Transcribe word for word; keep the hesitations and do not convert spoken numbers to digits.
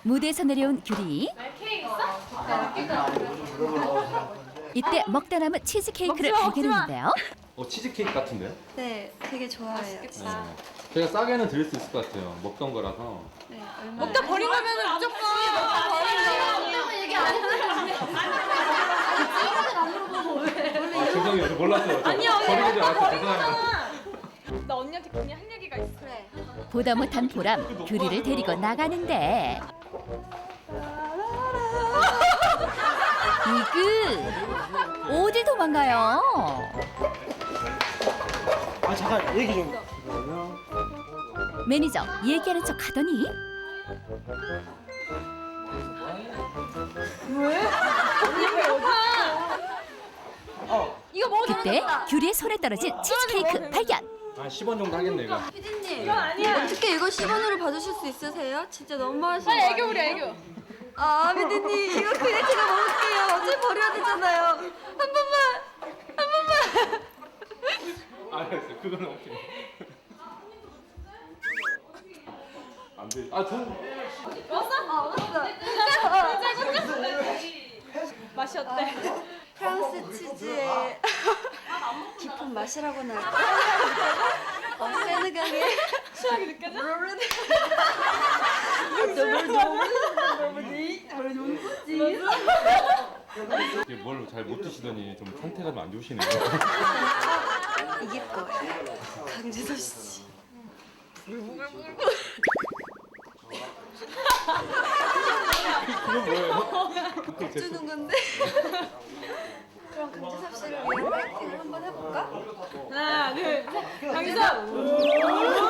무대에서 내려온 규리. 이때 먹다 남은 치즈 케이크를 발견했는데요. 어 치즈 케이크 같은데요? 네, 되게 좋아해요. 네. 제가 싸게는 드릴 수 있을 것 같아요. 먹던 거라서. 네, 얼마? 먹다 버린 거면은 무조건 얘기 안 했는데. 아 죄송해요. 저 몰랐어요. 저 아니야, 언니. 버리는 줄 알았어요. 죄송합니다. 나 언니한테 괜히 할 얘기가 있어. 그래. 보다 못한 보람, 규리를 데리고 나가는데 이그 어딜 도망가요? 아 잠깐 얘기 좀. 매니저 얘기하는 척 하더니 이거 먹어도 그때 규리의 손에 떨어진 치즈 케이크 발견. 한 십 원 정도 하겠네 이거. 피디님, 아니야. 어떻게 이거 십 원으로 봐주실 수 있으세요? 진짜 너무 맛있어. 빨리 애교 우리 애교. 아, 피디님, 이거 그냥 제가 먹을게요. 어차피 버려야 되잖아요. 한 번만, 한 번만. 알았어요. 그거는 오케이. 안 돼. 아 전. 아, 왔어. 맛이 어때? 프랑스 치즈의 깊은 맛이라고나 할까? 어, 세네갈의 취향이 느껴져? 이게 뭘 잘 못 드시더니 좀 상태가 좀 안 좋으시네요. 이길 거예요. 강재석 씨. 그건 뭐예요? 주는 건데. 그럼 강재석 씨를 위해 파이팅을 한번 해볼까? 하나, 둘, 셋. 강기석.